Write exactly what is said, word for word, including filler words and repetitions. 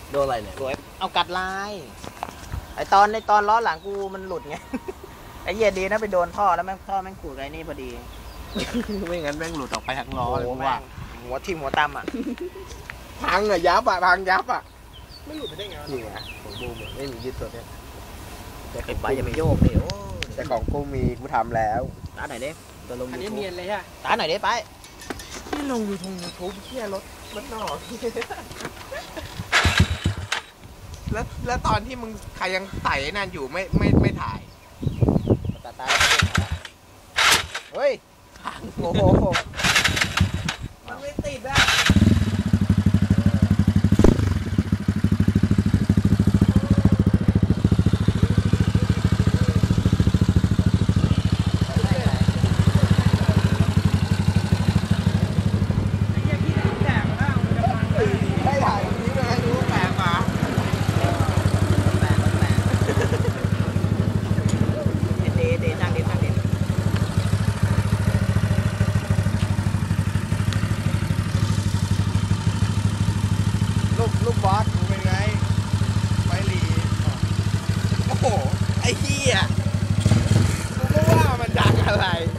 โดนอะไรเนี่ยสวยเอากัดลายไอตอนในตอนล้อหลังกูมันหลุดไง ไอเหี้ยดีนะไปโดนท่อแล้วแม่งท่อแม่งขูดไอ้นี่พอดีไม่งั้นแม่งหลุดออกไปทั้งล้อโอ้เลยโหผมแม่ว่างหัวทิ่มหัวตำอ่ะพังอะยับอะพังยับอะไม่หลุดไปได้ไงวะนี่ไงของกูไม่มียึดตัวเนี้ยแต่ไอ้ใบอย่าไปโยกดิโอ้แต่ของกูมีกูทำแล้วตาหน่อยดิตัวลงอันยูนี้ทูบเนียนเลยฮะตาหน่อยดิไปที่ลงยูทูบยูทูบเที่ยรถรถนอกแล้วแล้วตอนที่มึงใครยังไต่นั่นอยู่ไม่ไม่ไม่ถ่ายตาตาเฮ้ยโอ้โหมันไม่ติดอะไอ้เหี้ยพี่แตกมาแล้วมันจะพังได้ได้ถ่ายนี้เลยให้ดูแปลกมาแปลกแปลกเดเดนั่งดินั่งดิลูกลูกบอสมึงเป็นไงไฟหลีโอ้โหไอ้เหี้ยกูก็ว่ามันดังอะไร